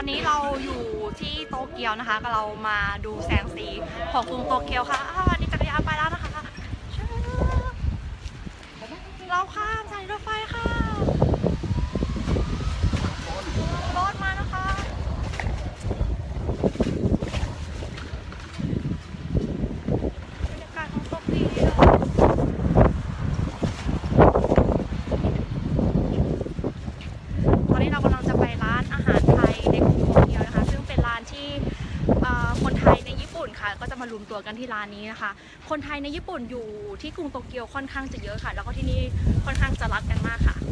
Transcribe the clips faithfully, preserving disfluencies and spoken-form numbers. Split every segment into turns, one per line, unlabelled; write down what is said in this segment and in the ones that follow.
อนนี้เราอยู่ที่โตเกียวนะคะก็เรามาดูแสงสีของกรุงโตเกียวค่ะนี่จักรยานไปแล้วนะคะเราข้ามสถานีรถไฟค่ะรถมานะคะบรรยากาศของโตเกียวตอนนี้เรากำลังจะไปร้านอาหารไทยในกรุงโตเกียวนะคะซึ่งเป็นร้านที่คนไทยในญี่ปุ่นค่ะก็จะมารวมตัวกันที่ร้านนี้นะคะคนไทยในญี่ปุ่นอยู่ที่กรุงโตเกียวค่อนข้างจะเยอะค่ะแล้วก็ที่นี่ค่อนข้างจะรักกันมากค่ะ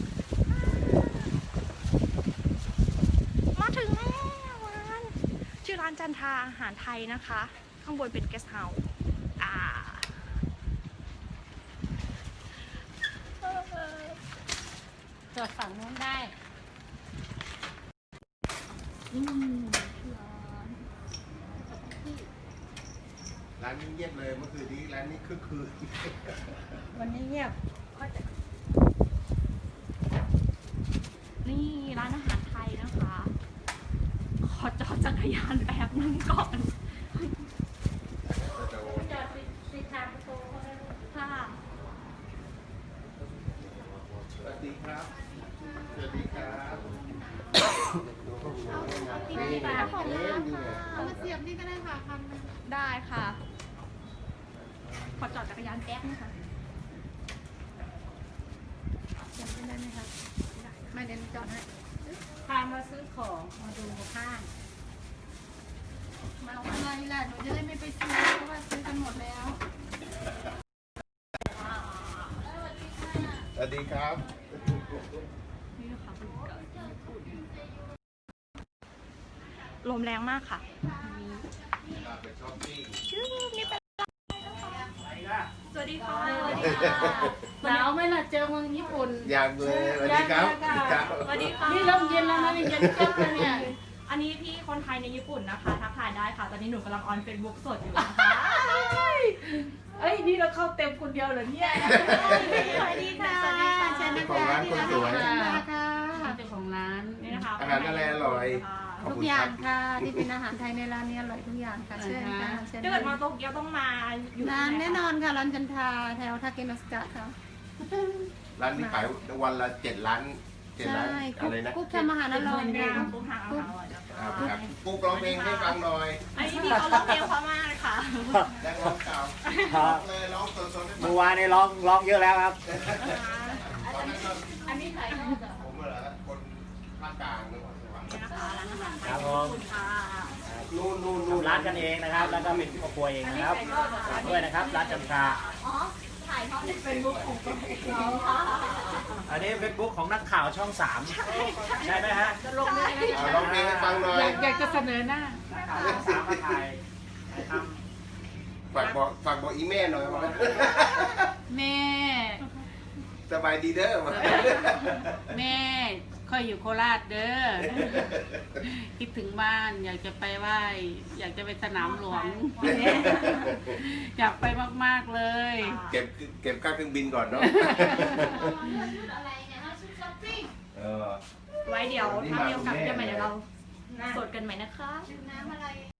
มาถึงแล้วร้านชื่อร้านจันทราอาหารไทยนะคะข้างบนเป็นเกสต์เฮาส์อ่า
จอดฝั่งนู้นได้
อืม
ร้านนี้เงียบเลยเมื่อคืนนี้ร้านนี้คึกคืน
วันนี้เงียบ
นี่ร้านอาหารไทยนะคะขอจอดจักรยานแป๊บนึงก่อน
จอดติดทางประตู
ค่ะ
สวัสดีครับสวัสดีครับ
นี่ค่ะของร้านค่ะ
เอามาเสียบนี่ก็ได้ค่ะพันหนึ่ง
ได้ค่ะขอจอดจักรยานแป๊บนึงค่ะเสียบได้ไหมคะ
ไม่เน้นจอดให้
พามาซื้อของมาดูข้าง
มาเอาอะไรล่ะหนูจะได้ไม่ไปซื้อเพราะว่าซื้อกันหมดแล้ว
สวัสดีครับ
นี่นะคะลมแรงมากค่ะ
ไปช้อปปิ้ง
ชื่อนี่เป็นสวัสดีค่ะ
หนาวไหมล่ะเจอเมืองญี่ปุ่น
อยากเลยสวัสดีครับ
สวัสดีค่ะ
นี่เริ่มเย็นแล้วนะนี่เย็นเจ็บเลยเนี่ย
อันนี้พี่คนไทยในญี่ปุ่นนะคะทักทายได้ค่ะตอนนี้หนูกำลังออนเฟซบุ๊กสดอยู่นะคะ
เอ้ยนี่เราเข้าเต็มคนเดียวเหรอเนี่ย
สวัสดีค่ะ
เชิญนะ
ของ
คะ
ร้าน
ที่
คน
ร้าน
สวย
อาหารค่ะ
เจ้าของร้าน
นี่นะคะ
อาหารอะไรอร่อยขอบ
ทุก
คุณ
อ
ค
ย่า
รั
ง
บ
ค่ะที่เป็นอาหารไทยในร้านนี้อร่อยทุกอย่างค่ะเชิญค่ะเชิญ
ถ้าเกิดมาโตเกียวต้องมาอยู่
ร้านแน่นอนค่ะร้านจันทราแถวทาเกโนสกะค่ะ
ร้านนี้ขายวันละเจ็ดล้านเจ็ดล้าน
ใช่
อะไรนะ
กุ๊กทำอาหารอร่อย
เด็
ค่ะ
กปุ๊บทางอาหารอร่อยนะคะ
ครับครับปุ๊กร้องเพลงให้ฟังหน่อย
อันนี้พี่เขาร้องเพลงเพราะมากเลยค่ะ
นักร้องเก่าร้องเลยร้องสดๆให้ฟั
เมื่
ง
อวานนี้ร้องร้องเยอะแล้วครับ
ตอนนั้นก็
อันนี้ขายนอกเหรอ
ผมเหรอคนภาคกลางนครสวรรค์
นี่นะคะร้านอาหารไทย
ครับผม
ขอบคุณค่ะ
นู่นนู่น
ดู
นู่น
ร้านกันเองนะครับ แล้วก็เป็นครอบครัวเองนะครับฝากด้วยนะครับ ร้านจันทรา
อ๋อถ่ายทอดในเฟซบุ๊กของตัวเองค่ะ
อันนี้เฟซบุ๊กของนักข่าวช่องสามใช่ไหมฮะ
จะลงได้ไหม
เอาร้องเพลงให้ฟังหน่อย
อยากอยากจะเสนอหน้า
นักข่าวช่องสามมาถ่ายท
ฝากบอกฝากบอกอีแม่หน่อยว่า
แม่
สบายดีเด้อมา
แม่ค่อยอยู่โคราชเด้อ คิดถึงบ้านอยากจะไปไหว้อยากจะไปสนามหลวง อยากไปมากๆเลย
เก็บเก็บค่าเครื่องบินก่อนเนาะเออ
ไว้เดี๋ยวถ้ามีโอกาสจะใหม่เดี๋ยวเราสดกันใหม่นะคะ
น้ำอะไร